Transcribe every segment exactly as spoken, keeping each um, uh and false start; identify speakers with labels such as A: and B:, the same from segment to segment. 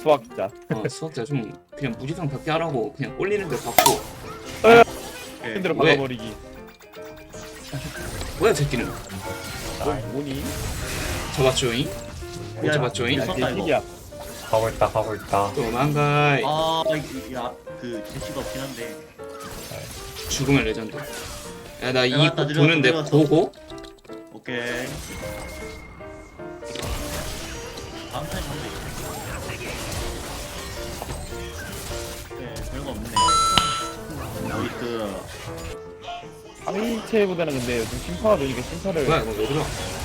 A: 수학자.
B: 어 수학자 좀 그냥 무지성 몇 개 하라고 그냥 꼴리는 데 받고.
A: 핸들을
B: 왜?
A: 박아버리기.
B: 뭐야 새끼는?
A: 넌 뭐니?
B: 잡았죠잉? 못
C: 야,
B: 잡았죠잉?
C: 야,
A: 아,
C: 썼다,
A: 개새끼야.
D: 가고 있다 가고 있다.
B: 도망가.
C: 아, 아야그 제시가 없긴 한데.
B: 죽음의 레전드. 야 나 이
C: 내려왔다,
B: 곡
C: 내려왔어,
B: 보는데
C: 내려왔어.
B: 고고?
C: 오케이. 다음 타임 한대. 네, 별거 없네. 나이스.
A: 상위체보다는 근데 요즘 심파가 되니까 심파를.
B: 뭐야 이거 왜 들어?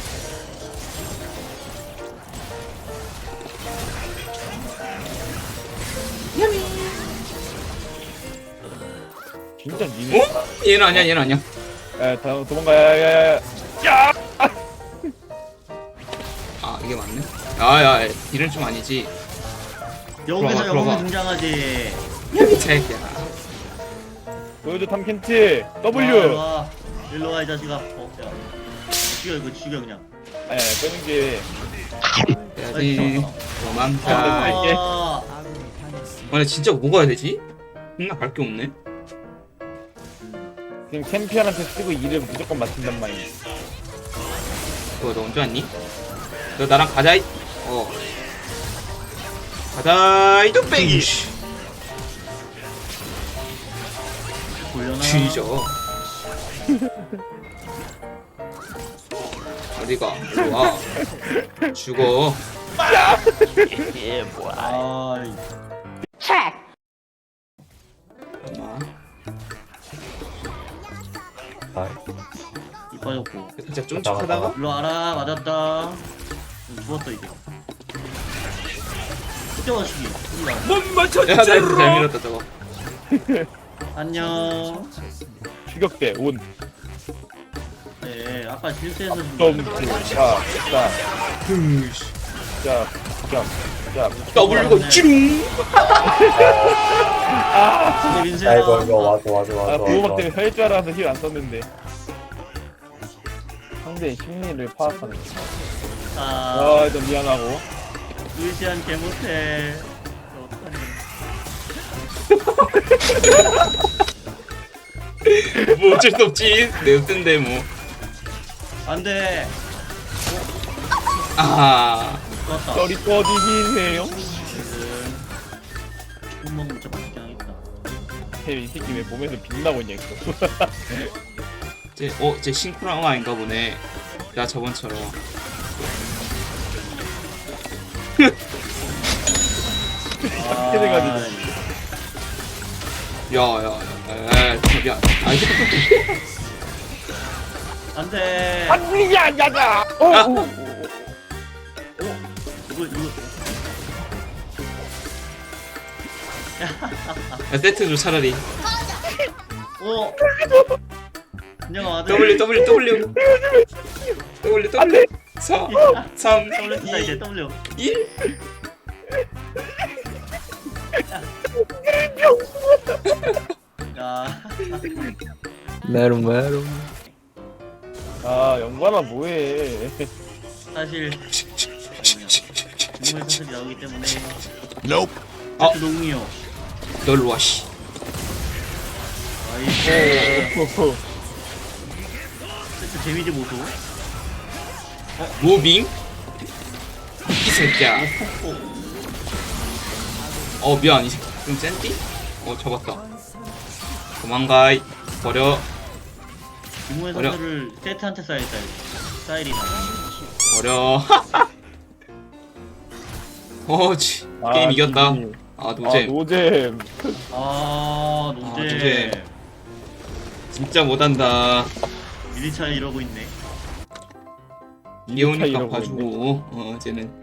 A: 진짜 니네.
B: 어? 얘는 아니야 얘는 아니야.
A: 야, 다 도망가. 야야야. 야.
B: 아 이게 맞네? 아야 이런 좀 아니지.
C: 여기서
B: 들어가,
C: 영웅이
B: 들어가.
C: 등장하지.
B: 이 새끼야.
A: 보여줘 탐켄치.
C: 아, 일로
A: W.
C: 와. 일로 와, 이 자식아. 어, 야. 죽여, 이거 죽여, 그냥.
A: 예, 끄는 게.
B: 해야지. 도망가.
A: 갈게.
C: 아,
B: 아니 진짜 뭐 가야 되지? 존나 갈 게 없네.
A: 지금 챔피언한테 쓰고 이름 무조건 맞춘단 말이야.
B: 그거 너 언제 왔니? 너 나랑 가자. 이- 어. 가자 이 뚝배기.
C: 돌려놔.
B: 쥐죠. 어디가? 일로 와. 죽어.
C: 아,
B: 엄마.
D: 아,
C: 이 빠졌고.
B: 살짝 쫀쫀하다가
C: 일로 와라, 맞았다. 음, 죽었어, 이제. 그때 와시기.
B: 못 맞췄지. 야, 나이스 잘 밀었다 저거.
C: 안녕.
A: 추격대 온.
C: 네, 아까 실수해서 좀.
A: 좀. 자, 자,
B: 으이씨.
A: 자, 자, 자.
B: 더블고 찌룽.
C: 근데 민수야.
D: 야 이거 이거 와줘 와줘
A: 아,
D: 와줘.
A: 보호막
D: 와줘.
A: 때문에 살 줄 알아서 힐 안 썼는데. 상대의 심리를 파악하는 거.
C: 아,
A: 아, 좀 미안하고.
C: 루이시안 개 못해. 어떡하니.
B: 뭐 어쩔 수 없지. 내 뜬데 뭐.
C: 안 돼.
B: 아.
C: 좋았다.
A: 쩌리 꺼지기네요.
C: 총 먹으면 진짜 맛있긴 하겠다.
A: 이 새끼 왜 몸에서 빛나고 있냐, 이거.
B: 쟤, 어, 쟤 싱크라마인가 보네. 나 저번처럼.
C: 아,
A: 돼가지고.
B: 야, 야, 야, 야, 미안. 아, 이거
C: 안 돼.
A: 안 야, 야자! 어,
B: 아.
A: 오, 오, 오.
C: 이거, 이거.
B: 야, 세트 줘 차라리.
C: 오. 안녕, 아들.
B: W, W, W. W,
A: 안
B: W.
A: 돼!
B: 사, 삼,
C: W 쓴다, 이제
B: 이,
C: W.
B: 일.
C: 야.
D: 메롱 메롱.
A: 아, 영관아, 뭐해.
C: 사실 동물 소설이 나오기 때문에
B: Nope. 어.
C: 농이요.
B: 널로 와, 씨.
C: 아이고. 세트 재미지 보소.
B: 무빙. 이 새끼야. 어, 미안. 이 새끼 좀 센디? 어, 잡았다. 도망가. 이. 버려.
C: 동물
B: 어려.
C: 소설을 세트한테 쌓여있다. 스타일이 다.
B: 버려. 어, 치.
A: 아,
B: 게임 이겼다.
A: 지금.
B: 아,
A: 아,
B: 노잼.
A: 노잼.
C: 아,
B: 아,
C: 노제.
B: 노제. 진짜 못한다.
C: 밀리차 이러고 있네.
B: 이오니까
A: 이러고
B: 봐주고. 어, 쟤는.